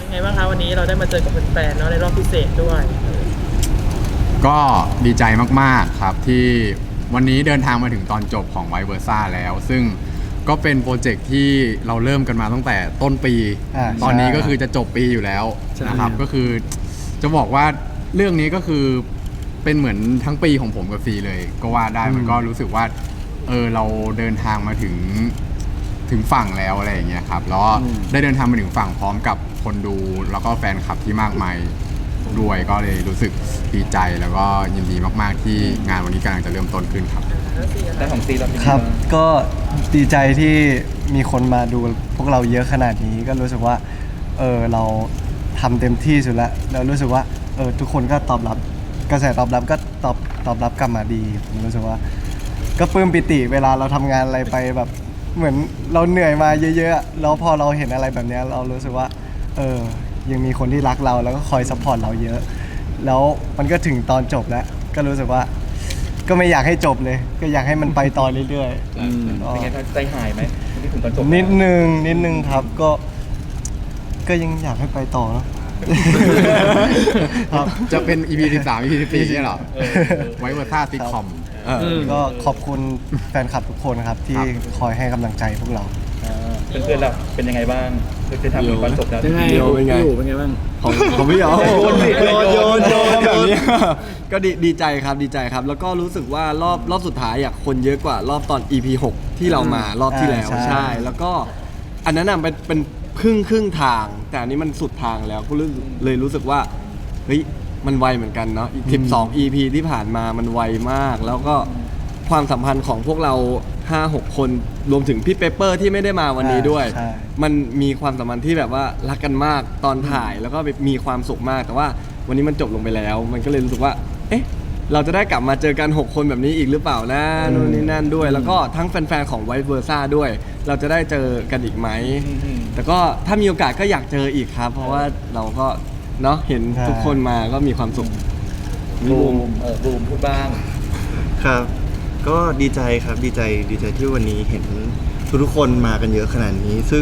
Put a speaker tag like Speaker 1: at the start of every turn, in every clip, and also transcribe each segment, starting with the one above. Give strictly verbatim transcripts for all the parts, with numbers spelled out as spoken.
Speaker 1: ไงบ้างคะวันนี้เราได้มาเจอกับแฟนๆเนาะในรอบพิเศษด้วย
Speaker 2: ก็ดีใจมากๆครับที่วันนี้เดินทางมาถึงตอนจบของไวเวอร์ซ่าแล้วซึ่งก็เป็นโปรเจกต์ที่เราเริ่มกันมาตั้งแต่ต้นปี ตอนนี้ก็คือจะจบปีอยู่แล้วนะครับก็คือจะบอกว่าเรื่องนี้ก็คือเป็นเหมือนทั้งปีของผมกับซีเลยก็ว่าได้มันก็รู้สึกว่าเออเราเดินทางมาถึงถึงฝั่งแล้วอะไรอย่างเงี้ยครับแล้วได้เดินทางมาถึงฝั่งพร้อมกับคนดูแล้วก็แฟนคลับที่มากมายด้วยก็เลยรู้สึกดีใจแล้วก็ยินดีมากๆที่งานวันนี้กำลังจะเริ่มต้นขึ้นครับ
Speaker 3: แต่ของซีเราเป็น
Speaker 4: ครับก็ดีใจที่มีคนมาดูพวกเราเยอะขนาดนี้ก็รู้สึกว่าเออเราทำเต็มที่สุดแล้วแล้วรู้สึกว่าเออทุกคนก็ตอบรับกระแสตอบรับก็ตอบตอบรับกลับมาดีผมรู้สึกว่าก็ปลื้มปิติเวลาเราทำงานอะไรไปแบบเหมือนเราเหนื่อยมาเยอะๆแล้วพอเราเห็นอะไรแบบนี้เรารู้สึกว่าเออยังมีคนที่รักเราแล้วก็คอยซัพพอร์ตเราเยอะแล้วมันก็ถึงตอนจบแล้วก็รู้สึกว่าก็ไม่อยากให้จบเลยก็อยากให้มันไปต่อเรื่อยๆ
Speaker 3: เป็นไงใจหายไหมที่ถึงตอนจบ
Speaker 4: นิดนึงนิดนึงครับก็ก็ยังอยากให้ไปต่อเนาะ
Speaker 2: จะเป็น อี พี สิบสาม อี พี สิบสี่เนี่ยหรอไวเวอร์ซ่าซิทคอม
Speaker 4: ก็ขอบคุณแฟนคลับทุกคนครับที่คอยให้กำลังใจพวกเรา
Speaker 3: เพื่อนๆเราเป็นยังไงบ้างคือทำถึงตอนจบแล้ว
Speaker 5: เป็นไงเป็นไงเป็นไงบ้าง
Speaker 4: ของของพี่เหรอโยนโยนโยนแบบนี้
Speaker 6: ก็ดีดีใจครับดีใจครับแล้วก็รู้สึกว่ารอบรอบสุดท้ายอ่ะคนเยอะกว่ารอบตอน อี พี หกที่เรามารอบที่แล้วใช่แล้วก็อันนั้นน่ะเป็นเป็นครึ่งครึ่งทางแต่อันนี้มันสุดทางแล้วก็เลยรู้สึกว่าเฮ้ยมันไวเหมือนกันเนาะอีกสิบสอง อี พี ที่ผ่านมามันไวมากแล้วก็ความสัมพันธ์ของพวกเรา ห้าหก คนรวมถึงพี่เปเปอร์ที่ไม่ได้มาวันนี้ด้วยมันมีความสัมพันธ์ที่แบบว่ารักกันมากตอนถ่ายแล้วก็มีความสุขมากแต่ว่าวันนี้มันจบลงไปแล้วมันก็เลยรู้สึกว่าเอ๊ะเราจะได้กลับมาเจอกันหกคนแบบนี้อีกหรือเปล่านะนู่นนี่นั่นด้วยแล้วก็ทั้งแฟนๆของไวเวอร์ซ่าด้วยเราจะได้เจอกันอีกไหมแต่ก็ถ้ามีโอกาสก็อยากเจออีกครับเพราะว่าเราก็เนาะเห็นทุกคนมาก็มีความสุข
Speaker 3: บูมเออบูมพูดบ้าง
Speaker 7: ครับก็ดีใจครับดีใจดีใจที่วันนี้เห็นทุกคนมากันเยอะขนาดนี้ซึ่ง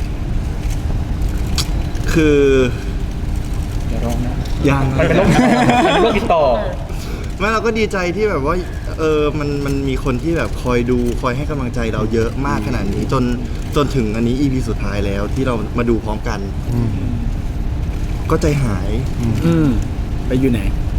Speaker 7: คือ
Speaker 3: อย่าร้องนะ
Speaker 7: ยัง
Speaker 3: มันเป็นโรคมันเป็นโรคติดต่อ
Speaker 7: ไม่เราก็ดีใจที่แบบว่าเออมันมันมีคนที่แบบคอยดูคอยให้กำลังใจเราเยอะมากขนาดนี้จนจนถึงอันนี้ อี พี สุดท้ายแล้วที่เรามาดูพร้อมกันก็ใจหาย
Speaker 5: ไปอยู่ไหน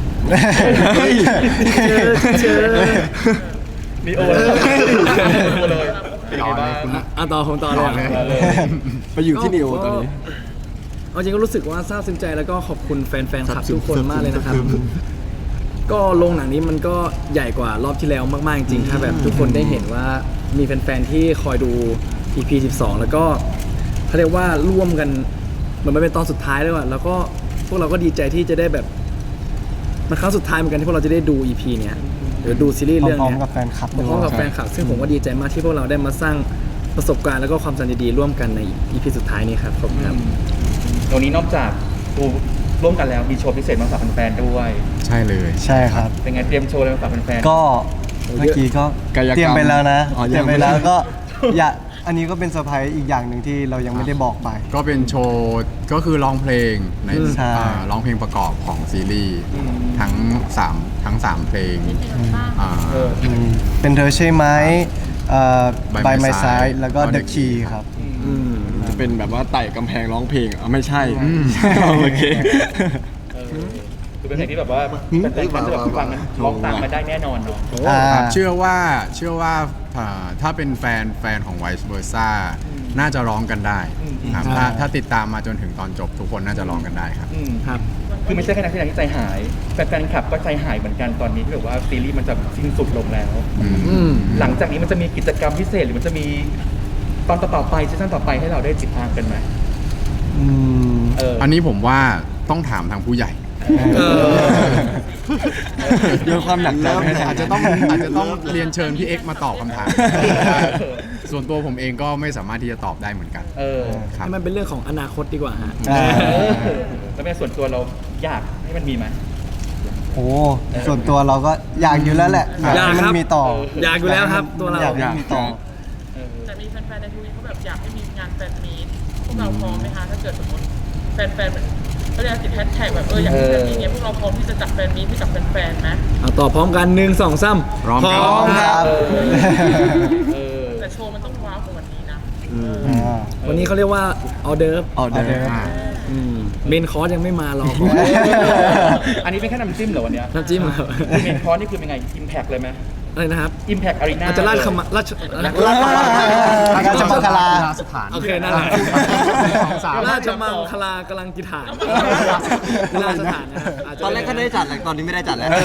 Speaker 3: เจอมีโอเลยเป็นไงบ้าง
Speaker 5: อ่ะต่อผมต่อเลย
Speaker 6: ไปอยู่ที่นิโอตอนนี้
Speaker 5: เอาจริงก็รู้สึกว่าซาบซึ้งใจแล้วก็ขอบคุณแฟนๆคลับทุกคนมากเลยนะครับก็โรงหนังนี้มันก็ใหญ่กว่ารอบที่แล้วมากๆจริงถ้าแบบทุกคนได้เห็นว่ามีแฟนๆที่คอยดู อี พี สิบสองแล้วก็เขาเรียกว่าร่วมกันเหมือนมันเป็นตอนสุดท้ายเลยว่ะแล้วก็พวกเราก็ดีใจที่จะได้แบบมันครั้งสุดท้ายเหมือนกันที่พวกเราจะได้ดู อี พี เนี้ยหรือดูซีรีส์เรื่องเนี้ย
Speaker 4: พร้อมกับแฟนคลับ
Speaker 5: พร้อมกับแฟนคลับซึ่งผมก็ดีใจมากที่พวกเราได้มาสร้างประสบการณ์แล้วก็ความสัมพันธ์ดีๆร่วมกันใน อี พี สุดท้ายนี้ครับขอบคุณครับ
Speaker 3: ตรงนี้นอกจากดูร่วมกันแล้วมีโชว์พิเศษมาฝากแฟนๆด้วย
Speaker 2: ใช่เลย
Speaker 4: ใช่ครับ
Speaker 3: เป็นไงเตรียมโชว์อะไรมาฝากแฟนๆ
Speaker 4: ก็เมื่อกี้ก็เตรียมไปแล้วนะเตรียมไปแล้วก็อย่าอันนี้ก็เป็นเซอร์ไพรส์อีกอย่างหนึ่งที่เรายังไม่ได้บอกไป
Speaker 2: ก็เป็นโชว์ก็คือร้องเพลงในร้องเพลงประกอบของซีรีส์ทั้งสามทั้งสามเพลง
Speaker 4: เป็นเธอใช่ไหม By My Side แล้วก็ The Key ครับ
Speaker 6: จะเป็นแบบว่าไต่กำแพงร้องเพลงอ่ะไม่ใช่โอเค
Speaker 3: คือเป็นเพลงที่แบบว่าแฟนๆจะแบบฟังร้องตามมาได้แน่นอนเนาะ
Speaker 2: เชื่อว่าเชื่อว่าถ้าเป็นแฟนแฟนของ Vice Versa น่าจะร้องกันได้ครับถ้าถ้าติดตามมาจนถึงตอนจบทุกคนน่าจะร้องกันได้ครับ
Speaker 3: ครับคือไม่ใช่แค่นักแสดงที่ใจหายแฟนๆคลับก็ใจหายเหมือนกันตอนนี้ที่แบบว่าซีรีส์มันจะสิ้นสุดลงแล้วหลังจากนี้มันจะมีกิจกรรมพิเศษหรือมันจะมีตอนต่อไปซีซั่นต่อไปให้เราได้ติดตามกันไหม
Speaker 2: อันนี้ผมว่าต้องถามทางผู้ใหญ่
Speaker 6: โยนความหนักใจ
Speaker 2: อาจจะต้องอาจจะต้องเรียนเชิญพี่เอ็กซ์มาตอบคำถามส่วนตัวผมเองก็ไม่สามารถที่จะตอบได้เหมือนกัน
Speaker 5: ให้มันเป็นเรื่องของอนาคตดีกว่าฮะ
Speaker 3: แล้วแม่ส่วนตัวเราอยากให้มันมีไหม
Speaker 4: โอ้ส่วนตัวเราก็อยากอยู่แล้วแหละอยากให้มันมีต่อ
Speaker 5: อยากอยู่แล้วครับตัวเรา
Speaker 4: อยากให้มีต่อ
Speaker 1: แต่มีแฟนๆในทวิตเขาแบบอยากให้มีงานแฟนมีตพวกเราพร้อมไหมคะถ้าเกิดสมมติแฟนๆเหมือนเขาเรียกติดแฮชแท็กแบบเอออยากให้แฟนมีเงี้ยพวกเราพร้อมที่จะจัดแฟนมีให้กับแฟนๆไหม
Speaker 5: เอาต่อพร้อมกันหนึ่งสองสาม
Speaker 2: พร้อมครับ
Speaker 4: ครับ
Speaker 3: เออ
Speaker 1: แต่โชว์มันต้องว้าวกว่าวันนี้นะ
Speaker 4: อ่า
Speaker 5: วันนี้เขาเรียกว่าออเดิร์ฟ
Speaker 6: ออเดอร์
Speaker 2: อ่า
Speaker 5: เมนคอร์สยังไม่มารอก่อน
Speaker 3: อันนี้เป็นแค่น้ำจิ้มเหรอวันเนี้ย
Speaker 5: น้ำจิ้มครับ
Speaker 3: เมนคอร์สนี่คือเป็นไงอิมแพกเลยไหม
Speaker 5: อะไรนะครับ
Speaker 3: อิมแพกอารีนา
Speaker 5: อาจจะราชคำราช
Speaker 4: ราชมังคลา
Speaker 2: สถาน
Speaker 5: โอเคนั่นแหละ
Speaker 2: สองสาม
Speaker 5: ราชมังคลากำลังกิฐานราชสถานนะครับาจจะ
Speaker 6: ตอนแรกก็ได้จัดแต่ตอนนี้ไม่ได้จัดแล้ว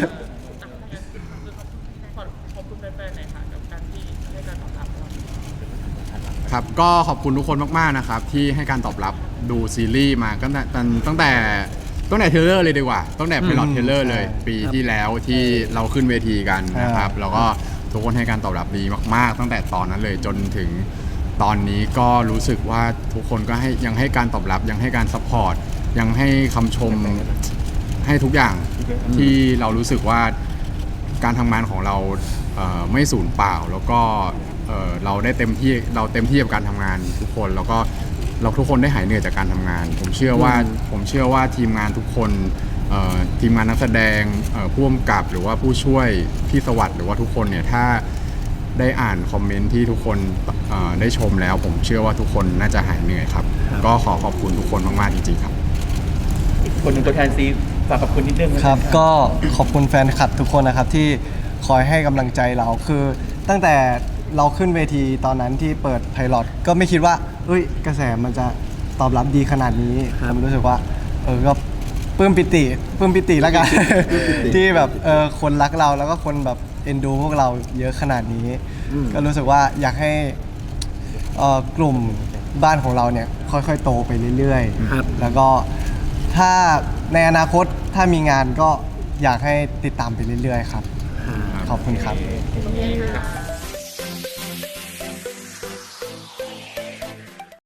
Speaker 1: ขอขอบคุณแฟนๆหน่อยค่ะกับการที่ให้การตอบรับเรา
Speaker 2: ครับก็ขอบคุณทุกคนมากๆนะครับที่ให้การตอบรับดูซีรีส์มาตั้งแต่ตั้งแต่ตั้งแต่เทรลเลอร์เลยดีกว่าตั้งแต่พ i ลอตเทรลเลอร์เลย ปีที่แล้วที่เราขึ้นเวทีกันนะครับแล้วก็ทุกคนให้การตอบรับดีมากๆ ตั้งแต่ตอนนั้นเลยจนถึงตอนนี้ก็รู้สึกว่าทุกคนก็ให้ยังให้การตอบรับยังให้การซัพพอร์ตยังให้คำชมให้ทุกอย่างที่เรารู้สึกว่าการทำงานของเราเอ่อไม่สูญเปล่าแล้วก็เอ่อเราได้เต็มที่เราเต็มที่กับการทำงานทุกคนแล้วก็เราทุกคนได้หายเหนื่อยจากการทำงาน ผมเชื่อว่าผมเชื่อว่าทีมงานทุกคนเอ่อทีมงานนักแสดงเอ่อผู้กำกับหรือว่าผู้ช่วยพี่สวัสดิ์หรือว่าทุกคนเนี่ยถ้าได้อ่านคอมเมนต์ที่ทุกคนเอ่อได้ชมแล้ว ผมเชื่อว่าทุกคนน่าจะหายเหนื่อยครับ ก็ขอขอบคุณทุกคนมากๆจริงๆครับ
Speaker 3: อีกคนหนึ่งตัวแทนซีฝากขอบคุณนิดนึง
Speaker 4: ครับ ก็ขอบคุณแฟนคลับทุกคนนะครับที่คอยให้กำลังใจเราคือตั้งแต่เราขึ้นเวทีตอนนั้นที่เปิดไพลอตก็ไม่คิดว่าเอ้ยกระแสมันจะตอบรับดีขนาดนี้ผมรู้สึกว่าเออก็ปลื้มปิติปลื้มปิติแล้วกัน ที่แบบเออคนรักเราแล้วก็คนแบบเอ็นดูพวกเราเยอะขนาดนี้ ก็รู้สึกว่าอยากให้เอ่อกลุ่มบ้านของเราเนี่ยค่อยๆโตไปเรื่อย
Speaker 5: ครับ
Speaker 4: ๆ แล้วก็ถ้าในอนาคตถ้ามีงานก็อยากให้ติดตามไปเรื่อยๆครับ ขอบคุณครับ
Speaker 1: โอเคค่ะ